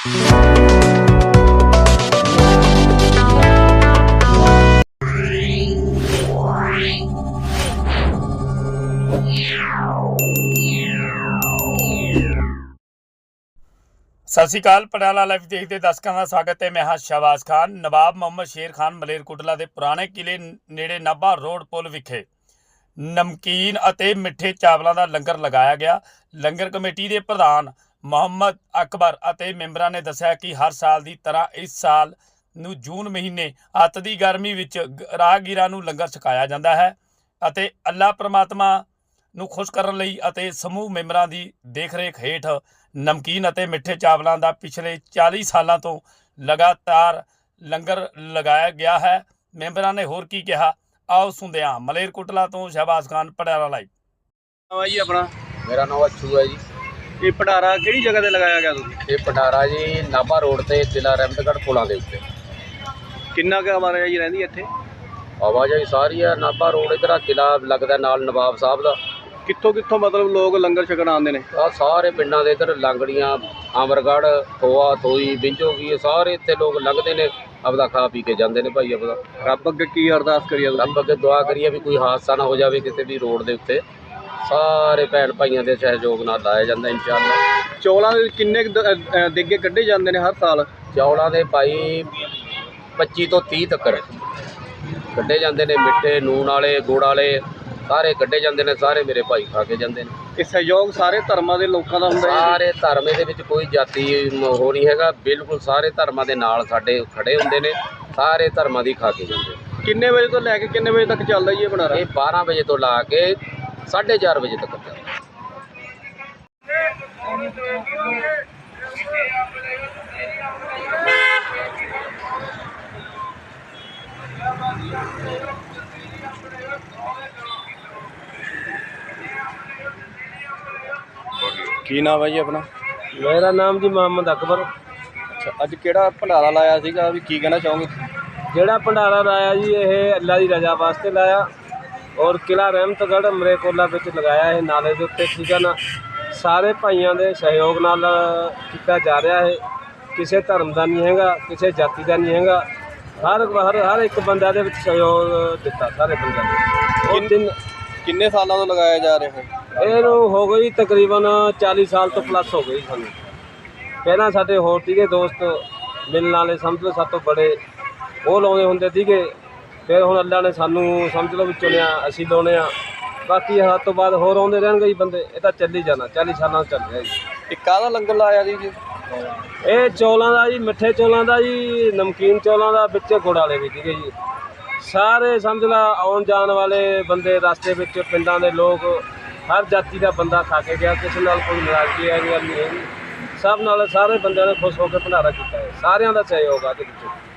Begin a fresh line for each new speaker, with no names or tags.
सत श्री अकाल। पटियाला लाइव देखते दर्शकों का स्वागत है। मैं हाँ शहबाज खान। नवाब मोहम्मद शेर खान मलेरकोटला के पुराने किले नेड़े नाभा रोड पुल विखे नमकीन अते मिठे चावलों का लंगर लगाया गया। लंगर कमेटी के प्रधान मुहम्मद अकबर अते मैंबरां ने दस्सिया कि हर साल की तरह इस साल नूं जून महीने अत की गर्मी विच राहगीरां नूं लंगर छकाया जाता है अते अल्लाह परमात्मा नूं खुश करन लई अते समूह मैंबरां की देख रेख हेठ नमकीन अते मिठे चावलों का पिछले 40 सालों तो लगातार लंगर लगाया गया है। मैंबरां ने होर की कहा, आओ सुनते हैं। मलेरकोटला तो शहबाज खान, पटियाला लाइव।
जी अपना
मेरा नाम अच्छू है जी।
ये भंडारा किहड़ी जगह ते लगाया गया तुसीं?
ये भंडारा जी नाभा रोड ते किला रहमतगढ़ पुलों के उत्ते।
किन्ना क आवाजाही रहिंदी इत्थे?
आवाजाही सारी है। नाभा रोड इधर किला लगदा नाल नवाब साहब दा।
कित्थों कित्थों मतलब लोग लंगर छकण आंदे ने?
आ सारे पिंडां दे इधर लांगड़ियां अमरगढ़ खोआ थोई बिंजो की सारे इत्थे लोग लंघदे ने, अपदा खा पी के जांदे ने भाई। अपदा
रब अगे की अरदास करिए?
रब अगे दुआ करिए भी कोई हादसा ना हो जाए किसी भी रोड दे उत्ते। सारे भैन भाइयों के सहयोग नाल लाया जांदा इंशाअल्लाह।
चौलां दे किन्ने देगे कड्ढे जांदे ने हर साल?
चौलां दे भाई 25 तो 30 तक कड्ढे जांदे ने। मिठे नून वाले गुड़ वाले सारे कड्ढे जांदे ने। सारे मेरे भाई खा के जांदे ने।
ये सहयोग सारे धर्मां दे लोकां दा हुंदा है?
सारे धर्म दे विच कोई जाति हो नहीं हैगा। बिल्कुल सारे धर्मां दे नाल साडे खड़े हुंदे ने। सारे धर्मां दी खा के जांदे।
किन्ने बजे तो लैके किन्ने बजे तक चलदा जी ये भंडारा?
ये 12 बजे तो ला के 4:30 बजे तक चलदा।
की नाम है जी अपना?
मेरा नाम जी मुहम्मद अकबर।
अच्छा, अज किहड़ा भंडारा लाया सीगा भी की कहना चाहोगे?
ਜਿਹੜਾ ਭੰਡਾਰਾ ਲਾਇਆ ਜੀ ਇਹ ਅੱਲਾ ਦੀ ਰਜ਼ਾ ਵਾਸਤੇ ਲਾਇਆ ਔਰ ਕਿਲਾ ਰਹਿਮਤਗੜ੍ਹ ਮਲੇਰਕੋਟਲਾ ਵਿੱਚ ਲਗਾਇਆ। ਇਹ ਨਾਲੇ ਦੇ ਉੱਤੇ ਸੀਗਾ ਨਾ, ਸਾਰੇ ਭਾਈਆਂ ਦੇ ਸਹਿਯੋਗ ਨਾਲ ਕੀਤਾ ਜਾ ਰਿਹਾ ਹੈ। ਕਿਸੇ ਧਰਮ ਦਾ ਨਹੀਂ ਹੈਗਾ, ਕਿਸੇ ਜਾਤੀ ਦਾ ਨਹੀਂ ਹੈਗਾ। ਹਰ ਇੱਕ ਬੰਦਾ ਦੇ ਵਿੱਚ ਸਹਿਯੋਗ ਦਿੱਤਾ ਸਾਰੇ ਬੰਦਿਆਂ ਨੇ। ਉਹ ਦਿਨ
ਕਿੰਨੇ ਸਾਲਾਂ ਤੋਂ ਲਗਾਇਆ ਜਾ ਰਿਹਾ ਹੈ?
ਇਹਨੂੰ ਹੋ ਗਈ ਤਕਰੀਬਨ 40 ਸਾਲ ਤੋਂ ਪਲੱਸ ਹੋ ਗਈ ਸਾਨੂੰ। ਪਹਿਲਾਂ ਸਾਡੇ ਹੋਰ ਸੀਗੇ ਦੋਸਤ ਮਿਲਣ ਵਾਲੇ, ਸਮਝ ਲਓ ਸਾਡੇ ਤੋਂ ਬੜੇ, ਉਹ ਲਾਉਂਦੇ ਹੁੰਦੇ ਸੀਗੇ। ਫਿਰ ਹੁਣ ਅੱਲਾ ਨੇ ਸਾਨੂੰ ਸਮਝ ਲਓ ਵੀ ਚੁਣਿਆ, ਅਸੀਂ ਲਾਉਣੇ ਆ। ਬਾਕੀ ਹੱਦ ਤੋਂ ਬਾਅਦ ਹੋਰ ਆਉਂਦੇ ਰਹਿਣਗੇ ਜੀ ਬੰਦੇ। ਇਹ ਤਾਂ ਚੱਲੀ ਜਾਣਾ, 40 ਸਾਲਾਂ ਤੋਂ ਚੱਲ ਰਿਹਾ ਜੀ।
ਇਹ ਕਾਹਦਾ ਲੰਗਰ ਲਾਇਆ ਜੀ?
ਇਹ ਚੌਲਾਂ ਦਾ ਜੀ, ਮਿੱਠੇ ਚੌਲਾਂ ਦਾ ਜੀ, ਨਮਕੀਨ ਚੌਲਾਂ ਦਾ, ਵਿੱਚ ਗੁੜ ਵਾਲੇ ਵੀ ਸੀਗੇ ਜੀ। ਸਾਰੇ ਸਮਝ ਲਾ ਆਉਣ ਜਾਣ ਵਾਲੇ ਬੰਦੇ, ਰਸਤੇ ਵਿੱਚ ਪਿੰਡਾਂ ਦੇ ਲੋਕ, ਹਰ ਜਾਤੀ ਦਾ ਬੰਦਾ ਖਾ ਕੇ ਗਿਆ। ਕਿਸੇ ਨਾਲ ਕੋਈ ਨਾਰਾਜ਼ਗੀ ਵਾਲੀ ਗੱਲ ਨਹੀਂ ਹੈਗੀ। ਸਭ ਨਾਲ ਸਾਰੇ ਬੰਦਿਆਂ ਨੇ ਖੁਸ਼ ਹੋ ਕੇ ਭੰਡਾਰਾ ਕੀਤਾ ਹੈ। ਸਾਰਿਆਂ ਦਾ ਸਹਿਯੋਗ ਆ ਇਹਦੇ ਵਿੱਚ।